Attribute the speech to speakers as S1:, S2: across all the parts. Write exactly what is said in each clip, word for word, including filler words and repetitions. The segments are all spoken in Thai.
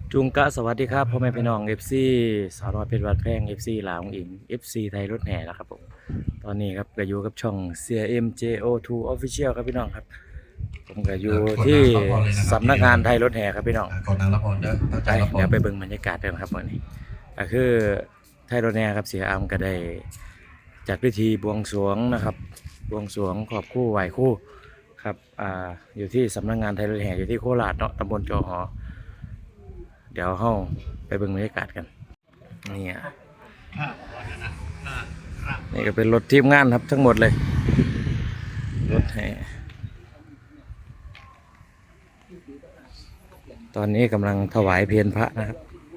S1: จุงกะสวัสดีครับพ่อแม่พี่น้อง เอฟ ซี สาวน้อยเพชรวัดแพง เอฟ ซี ลาวองอิง เอฟ ซี ไทยรถแห่แล้วครับผมตอนนี้ครับก็อยู่กับช่อง ซี เอ็ม เจ โอ ทู Official ครับพี่น้องครับผมก็อยู่ที่สำนักงานไทยรถแห่ครับพี่น้อง
S2: กดนางรับพรเด้อตั้งใจรับพร
S1: เดี๋ยวไปเบิ่งบรรยากาศกันครับวันนี้ก็คือไทยรถแห่ครับเสียอามก็ได้จัดพิธีบวงสรวงนะครับบวงสรวงขอบคู่ไหว้คู่ครับอ่าอยู่ที่สำนักงานไทยรถแห่อยู่ที่โคราชเนาะตำบลจอหอเดี๋ยวเฮาไปเบิ่งบรรยากาศกันนี่อ่ะนี่ก็เป็นรถทีมงานครับทั้งหมดเลยรถแห่ตอนนี้กำลังถวายเพลพระนะครับ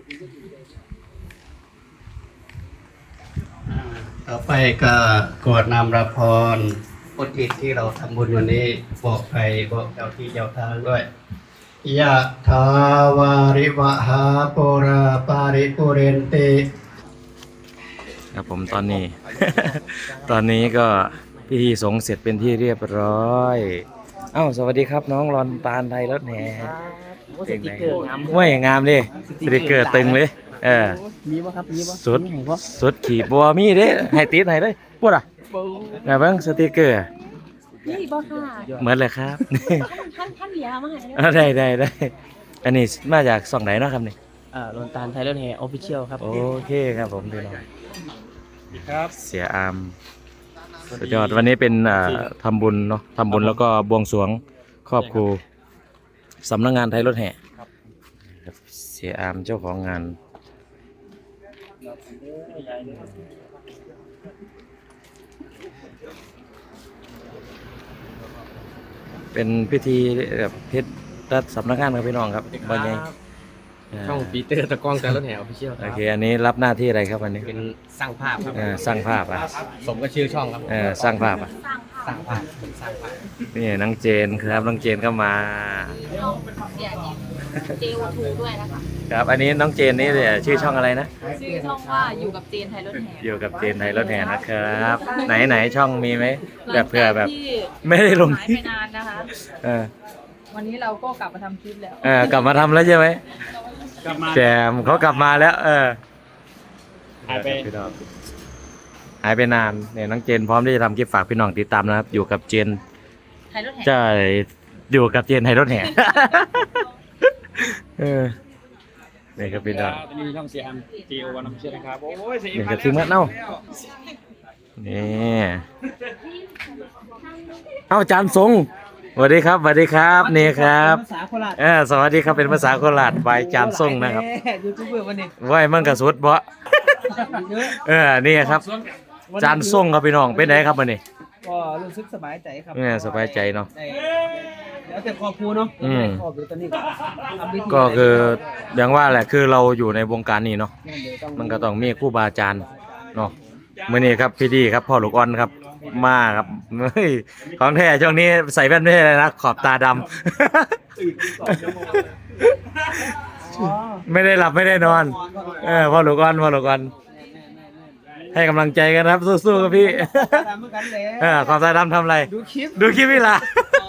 S3: ต่อไปก็กรวดนำรับพรอุทิศที่เราทำบุญวันนี้บอกใครบอกเจ้าที่เจ้าทางด้วยยะถาวาริวหาปุราปาริปุเรนติ
S1: ครับผมตอนนี้ ตอนนี้ก็พิธีสงฆ์เสร็จเป็นที่เรียบร้อยเอ้าสวัสดีครับน้องรอนตาลไทยรถแห่
S4: สติกเกอร์งาม
S1: ห้วยงามดิสติกเกอร์ตึงเลยเออ
S4: มีบ่ครับมีบ่
S1: สุด
S4: มีบ่
S1: สุดขี่บัวมีเด้ให้ติดให้เลยพูดอ่ะไงบ้างสติกเกอร์
S5: นี่บ่ค่ะ
S1: เหมือนเลยครับ
S5: ท่านท่านเหลียมาให้
S1: อ่าได้ได้ได้อันนี้มาจากส่องไหนเนาะครับนี่
S4: อ่าโรนตาลไทยรถแห่ออฟฟิเชียลครับ
S1: โอเคครับผมพี่น้อง
S3: ครับ
S1: เสียอามสุดยอดวันนี้เป็นอ่าทำบุญเนาะทำบุญแล้วก็บวงสรวงครอบครูสำนักงานไทยรถแห่ครับเสียอามเจ้าของงานเป็นพิธีแบบเพชรรัฐสำนักงานครับพี่น้องครับวันนี้
S4: ช่องปีเตอร์ตะกล้องไทยรถแห่ออฟฟิเชียลค
S1: โอ
S4: รับ
S1: เคอันนี้รับหน้าที่อะไรครับวันนี้
S4: เป็นสร้างภาพครับ
S1: เอ่อสร้างภาพอ่ะ
S4: สมกับชื่อช่องครับ
S1: เออสร้างภาพอ่ะ
S5: สร้างภาพ
S4: สร้างภาพเป็นสร้างภาพ
S1: นี่น้องเจนครับน้องเจนก็มา
S5: น้องเสียเจ โอ ทู ด้วยนะคะ
S1: ครับอันนี้น้องเจนนี่เนี่ยชื่อช่องอะไรนะ
S5: ชื่อช่องว่าอยู่กับเจนไทยรถแห่
S1: อยู่กับเจนไทยรถแห่นะครับ ไหนไหนช่องมีไหมแบบเผื่อแบบ
S5: ที่
S1: ไม่ได้ลง
S5: หาย
S1: คลิ
S5: ไป
S1: ป
S5: นานนะคะ
S1: เออ
S5: วันนี้เราก็กลับมาทำคลิปแล้ว
S1: เออกลับมาทำแล้วใช่ไหม
S4: กลับมา
S1: แจมเขากลับมาแล้ว เออ
S4: หายไป
S1: พี่น้องหายไปนานเนี่ยน้องเจนพร้อมที่จะทำคลิปฝากพี่น้องติดตามนะครับ อยู่กับเจน
S5: ไทยรถแห่
S1: จะอยู่กับเจนไทยรถแห่ เออนี่ครับพี่น้อง
S4: มีช่องเสียมจีโอวันออฟฟิเชียลนะครับโอ้ยเสีย
S1: นี่กับทีมงานเอ้านี่เอ้าจานทรงสวัสดีครับสวัสดีครับนี่ครับ
S4: ภาษาโคราช
S1: เออสวัสดีครับเป็นภาษาโคราชใบจานทรงนะครับ
S4: ยูทูบเบอร์วันนี้
S1: ไหวมันกระสุดเพราะ
S4: เยอะ
S1: เออนี่ครับจานทรงครับพี่น้องเป็นไงครับวันนี้
S4: ก็รู้สึกสบายใจครับ
S1: เนี่ยสบายใจเนาะ
S4: ได้เดี๋ยวแต่ครอบครัวเนาะ
S1: อืม
S4: ครอบครัวตอนนี้ทำพิธี
S1: ก็คืออย่างว่าแหละคือเราอยู่ในวงการนี้เนาะ
S4: เดี๋ยวต้อง
S1: มันก็ต้องมีครูบาอาจารย์เนาะมื้อนี้ครับพี่ดีครับพ่อลูกอ่อนครับมาครับเฮ้ยของแท้ช่วงนี้ใส่แว่นไม่ใช่เลยนะขอบตาดำ
S4: อ๋อ
S1: ไม่ได้หลับไม่ได้นอน เออพ่อลูกอ่อนพ่อลูกอ่อนให้กำลังใจกันครับสู้ๆครับพี่
S4: ตามเหมือนกันเลย
S1: เออขอบตาดำทำอะไร
S4: ดูคลิป
S1: ดูคลิปนี่ล่ะ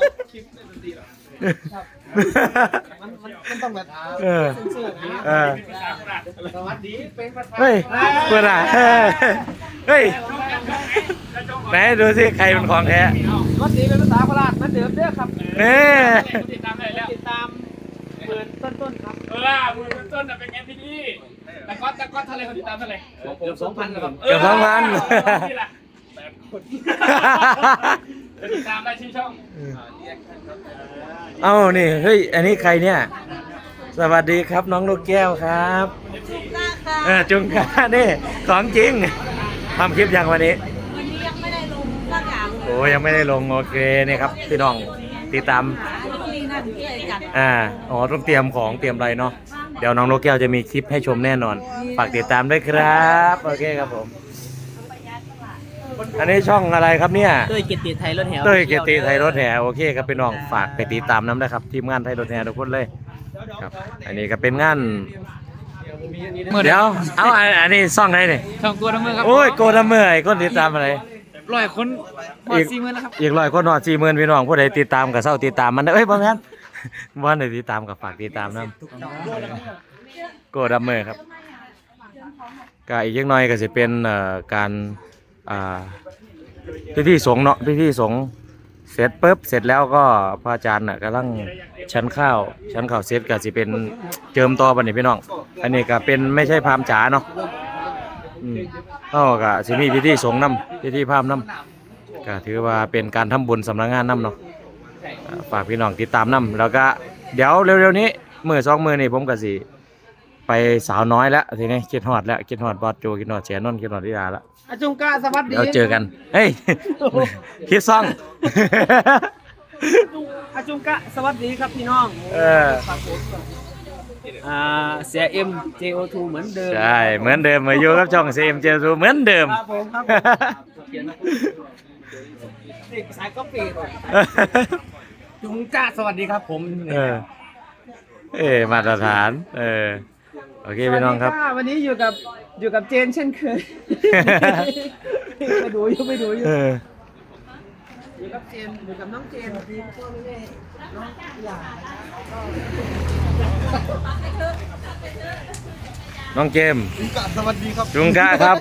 S4: มันมันมันต้องแบบ
S1: เออ
S4: สู้ๆนะ
S1: เออ
S4: สวัสดีเป็นประธาน
S1: เฮ้ยเพื่อนอ่ะเฮ้ยเฮ้ยไหนดูสิใครเป็นของแท้
S4: สวัสดีเป็นภาษาโคราชเหมือนเดิมเด้อครับ
S1: นี่
S4: ติดตามได้แล้วติดตามเปิดต้นๆครับ
S6: เออมือต้นน่ะเป็นไงพี่นี่ตะก๊อตตะก๊อตเท่าไรเขาติดตามเท่าไร
S4: เกือบสองพันครับ
S1: เกือบสองพัน
S6: นี่แหละแปดคนจะติดตามได้ชื่อช่อง
S1: เอ้านี่เฮ้ยอันนี้ใครเนี่ยสวัสดีครับน้องลูกแก้วครับเออจุงกานี่ของจริงทำคลิปยังวันนี้
S5: วันนี้ยังไม่ได้ลงสักอย่างเลย
S1: โอ้ยังไม่ได้ลงโอเคนี่ครับพี่น้องติดตาม
S5: มีนั่นที่อะไรจัด
S1: อ่าอ๋อต้องเตรียมของเตรียมอะไรเนาะเดี๋ยวน้องลูกแก้วจะมีคลิปให้ชมแน่นอนฝากติดตามด้วยครับโอเคครับผมอันนี้ช่องอะไรครับเนี่ย
S4: เต้ยเกียรติไทยรถแห่
S1: เต้ยเกียรติไทยรถแห่โอเคครับพี่น้องฝากไปติดตามน้ำนะครับทีมงานไทยรถแห่ทุกคนเลยครับอันนี้ก็เป็นงานเดี๋ยวเอาอันอันนี้ซ่องไหนนี่
S4: ช่องตัวทั้งเมืองครับ
S1: โอ้ยโกดเมื่อยคนติดตามอะไร
S4: ร้อยคนพอ
S1: อีก
S4: สี่หมื่นแล้วครับ
S1: อีกร้อยคนหอดสี่หมื่นพี่น้องผู้ใดติดตามกับเศร้าติดตามมันเด้อเอ้ยบ่แม่นว่าในติดตามกับฝากติดตามนะโกดัมเมอร์ครับก็อีกยังน้อยก็จะเป็นเอ่อการอ่าพิธีสงฆ์เนาะพิธีสงฆ์เสร็จปุ๊บเสร็จแล้วก็พระอาจารย์น่ะกำลังชั้นข้าวชั้นข้าวเสร็จก็จะเป็นเจิมต่อบัดนี้พี่น้องอันนี้ก็เป็นไม่ใช่พราหมณ์จ๋าเนาะอืมก็ก็สิมีพิธีสงฆ์นำพิธีพราหมณ์นำก็ถือว่าเป็นการทำบุญสำนักงานนำเนาะอ่าฝากพี่น้องติดตามนำแล้วก็เดี๋ยวเร็วๆนี้มื้อสองมื้อนี้ผมก็สิไปสาวน้อยแล้วทีนี้คิดฮอดแล้วคิดฮอดบอสโจคิดฮอดเสียนนท์คิดฮอดธิดาแล้ว
S4: อาจุงกะสวัสดี
S1: เดี๋ยวเจอกันเฮ้ยคิดซ่อง
S4: อาจุงกะสวัสดีครับพี่น้อง
S1: เออ
S4: อ่าเสียเอ็ม เจ โอ ทู เหมือนเดิม
S1: ใช่เหมือนเดิมมาอยู่กับช่อง ซี เอ็ม เจ ทู เหมือนเดิม
S4: ครับผมครับนี่สายก็ปีดจุงกะสวัสดีครับผม
S1: เออเอ้มาตรฐานเออโอเคพี่น้องครับ
S4: สวัสดีะวันนี้อยู่กับอยู่กับเจนเช่นเคย ไปดูอยู่ไปดูอยู่
S1: เออ
S4: อยู่กับเจนอยู่กับน้องเจนดีพ่อแม่น้องหลาน
S1: น้องเกม
S6: สวัสดีครับ
S1: จุงกะครับ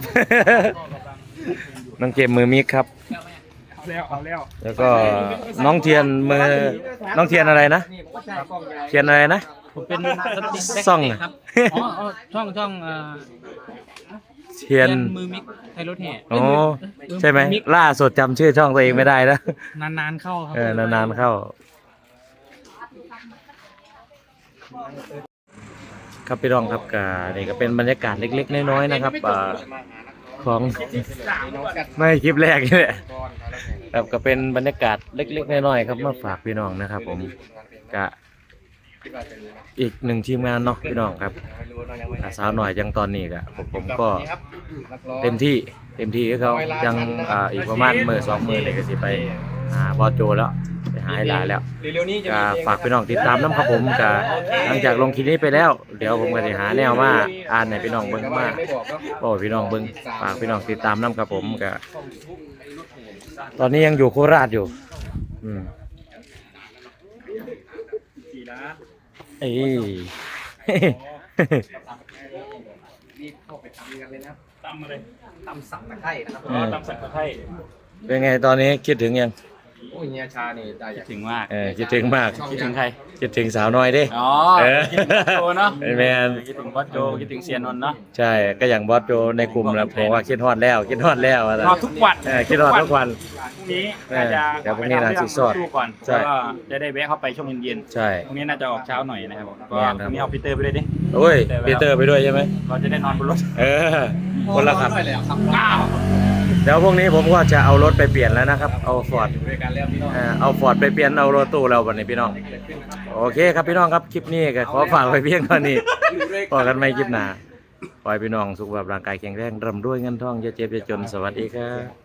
S1: น้องเกมมือมิกครับ
S6: แล้วเอาแล้ว
S1: แล้วก็น้องเทียนมือน้องเทียนอะไรนะเทียนอะไรนะ
S4: ผมเป็นสติ๊กแบ็ค
S1: ซ่อง
S4: เตะ
S1: น่ะ
S4: ครับอ๋ออ๋อช่องช่องเอ่อ
S1: เทียน
S4: มือมิกไทยรถแห่
S1: โอ้ใช่ไหมล่าสุดจำชื่อช่องตัวเองไม่ได้นะ
S4: นานๆเข้าครับ
S1: เออนานๆเข้า ครับพี่รองครับกานี่ก็เป็นบรรยากาศเล็กๆน้อยๆนะครับอ่าของไม่คลิปแรกนี่แหละครับก็เป็นบรรยากาศเล็กๆน้อยๆครับมาฝากพี่น้องนะครับ ผมกะอีกหนึ่งทีมงานเนาะพี่น้องครับอ่าสาวหน่อยจังตอนนี้กะผมผมก็เต็มที่เต็มที่ให้เขายังอ่าอีกประมาณมือสองมือเลยก็สิไปหาบอสโจแล้วไปหาให้ได้แล้ว
S6: เร็วๆนี้จะ
S1: ก็ฝากพี่น้องติดตามน้ำครับผมก็หลังจากลงคลิปนี้ไปแล้ว เดี๋ยวผมก็จะหาแนวมาอ่านให้พี่น้องเบิ่งมาโอ้พี่น้องเบิ่งฝากพี่น้องติดตามน้ำครับผมก็ตอนนี้ยังอยู่โคราชอยู่อืมเอ้ย
S6: ตำเลย
S3: ตำสับตะไคร้นะครับ
S1: อืม
S6: ตำสักตะไคร้
S1: เป็นไงตอนนี้คิดถึงยัง
S3: โอ้ยเฮียชานี่ได้อยาก
S6: ถึงมาก
S1: เออคิดถึงมาก
S6: คิดถึงใคร
S1: คิดถึงสาวน้อยดิ
S6: อ๋อ
S1: เออ
S6: คิดถึงโจเนาะ
S1: แมน
S6: คิดถึงบอสโจคิดถึงเซียนนท์เนาะ
S1: ใช่ก็อย่างบอสโจในกลุ่มแล้วผมว่าคิดฮอดแล้วคิดฮอดแล้วว่าซั่น
S6: รอทุกวัน
S1: เออคิดฮอดทุกวัน
S6: พรุ่งนี้น่าจะ
S1: เดี๋ยวพรุ่งนี้น่าจะสอด
S6: ดูก่อน
S1: ใช่
S6: แล้วก็จะได้แวะเข้าไปช่วงเย็น
S1: ใช่
S6: ๆพรุ่งนี้น่าจะออกเช้าหน่อยนะครับก็
S1: แม่น
S6: พ
S1: ครับ
S6: รุ่งนี้เอาพีเตอร์ไปด้วยดิ
S1: โอ้ยปีเตอร์ไปด้วยใช่ไหม
S6: เราจะได้นอนบนรถ
S1: เออ คนละขับ
S3: ด้วยเลยครับ
S6: อ้าว
S1: เดี๋ยวพวกนี้ผมก็จะเอารถไปเปลี่ยนแล้วนะครับ เอาฟอร์ด
S3: ด้วยกันแล้วพี่น้อง
S1: เอาฟอร์ดไปเปลี่ยนเอารถตู้เราวันนี้พี่น้อง โอเคครับพี่น้องครับคลิปนี้ก็ขอฝากไว้เพียงเท่านี้พอกันไม่คลิปหน้าขอให้พี่น้องสุขภาพร่างกายแข็งแรงร่ำรวยเงินทองอย่าเจ็บอย่าจนสวัสดีครับ